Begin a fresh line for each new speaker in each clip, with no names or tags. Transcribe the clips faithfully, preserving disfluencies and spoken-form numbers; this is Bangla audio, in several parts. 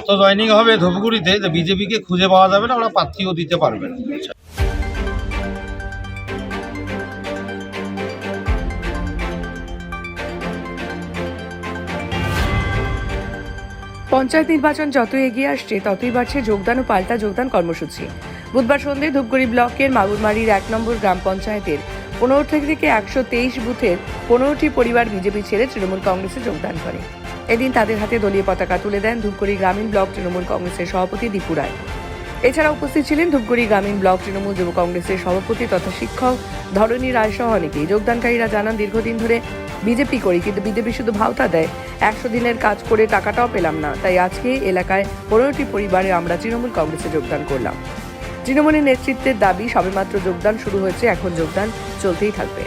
এত জয়নিং হবে ধূপগুড়িতে যে বিজেপিকে খুঁজে পাওয়া যাবে না, ওরা প্রার্থীও দিতে পারবে না।
পঞ্চায়েত নির্বাচন যত এগিয়ে আসছে ততই বাড়ছে যোগদান ও পাল্টা যোগদান কর্মসূচি। বুধবার সন্ধ্যায় ধূপগুড়ি ব্লকের মাগুরমারির এক নম্বর গ্রাম পঞ্চায়েতের পনেরো থেকে একশো তেইশ বুথের পনেরোটি পরিবার বিজেপি ছেড়ে তৃণমূল কংগ্রেসে যোগদান করে। এদিন তাদের হাতে দলীয় পতাকা তুলে দেন ধূপগুড়ি গ্রামীণ ব্লক তৃণমূল কংগ্রেসের সভাপতি দীপু রায়। এছাড়া উপস্থিত ছিলেন ধূপগুড়ি গ্রামীণ ব্লক তৃণমূল যুব কংগ্রেসের সভাপতি তথা শিক্ষক ধরণী রায় সহ অনেকেই। যোগদানকারীরা জানান, দীর্ঘদিন ধরে বিজেপি করি, কিন্তু বিজেপি শুধু ভাওতা দেয়, একশো দিনের কাজ করে টাকাটাও পেলাম না। তাই আজকে এলাকায় পনেরোটি পরিবারে আমরা তৃণমূল কংগ্রেসে যোগদান করলাম। তৃণমূলের নেতৃত্বের দাবি, সবেমাত্র যোগদান শুরু হয়েছে, এখন যোগদান চলতেই থাকবে।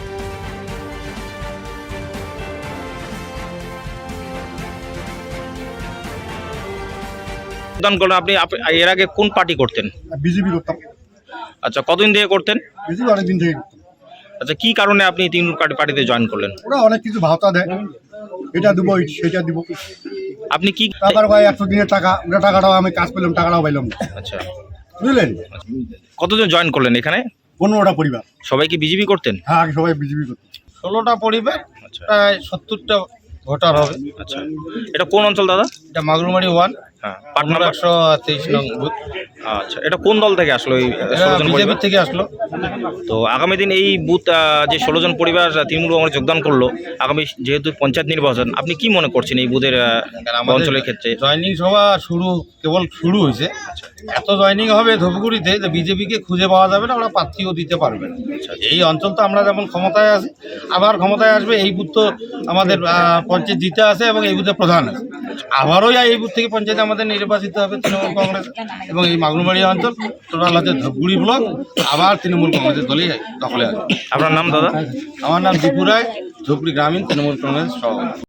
যোগদান করলেন আপনি। আপ- এর আগে কোন পার্টি করতেন?
বিজেপি করতাম।
আচ্ছা, কতদিন থেকে করতেন?
বিজেপি অনেকদিন থেকে করতাম।
আচ্ছা, কি কারণে আপনি তৃণমূল পার্টি- পার্টিতে জয়েন করলেন?
ওরা অনেক কিছু ভাতা দেয়, এটা দেবো সেটা দিব,
আপনি কি
টাকার ভাই একশো দিনের টাকা, ওটা টাকাটাও আমি কাজ পেলাম, টাকাটাও পাইলাম না।
আচ্ছা,
বুঝলেন?
কতজন জয়েন করলেন এখানে?
পনেরোটা পরিবার।
সবাই কি বিজেপি করতেন?
হ্যাঁ, আগে সবাই বিজেপি করতাম।
ষোলোটা পরিবার,
আচ্ছা
প্রায় সত্তরটা ভোটার হবে।
আচ্ছা, এটা কোন অঞ্চল দাদা?
এটা মাগুরমারি ওয়ান,
হ্যাঁ, পার্ট
পনেরো
নাম্বার।
একশো তেইশ নং বুথ।
আচ্ছা, এটা কোন দল থেকে আসলো এই ষোলো জন
বিজেপি
পরিবার?
থেকে আসলো।
তো আগামী দিন এই বুথ আহ, যে ষোলো জন পরিবার তৃণমূল কংগ্রেস যোগদান করলো, আগামী যেহেতু পঞ্চায়েত নির্বাচন, আপনি কি মনে করছেন এই বুথের আহ,
আমাদের
অঞ্চলের ক্ষেত্রে?
জয়নিং সভা শুরু কেবল শুরু হয়েছে। এত জয়নিং হবে ধূপগুড়িতে যে বিজেপিকে খুঁজে পাওয়া যাবে না, ওরা প্রার্থীও দিতে পারবে না। এই অঞ্চল তো আমরা যেমন ক্ষমতায় আছি, আবার ক্ষমতায় আসবে এই বুথ তো আমাদের আহ, পঞ্চায়েত জিতে আছে এবং এই বুথে প্রধান আছে। আবারও এই বুথ থেকে পঞ্চায়েত আমাদের নির্বাচিত হবে তৃণমূল কংগ্রেস, এবং এই মাগুরমারি অঞ্চল টোটাল হচ্ছে ধূপগুড়ি ব্লক আবার তৃণমূল কংগ্রেসের দলই দখলে আছে।
আপনার নাম দাদা?
আমার নাম দীপু রায়, ধূপগুড়ি গ্রামীণ তৃণমূল কংগ্রেস সভাপতি।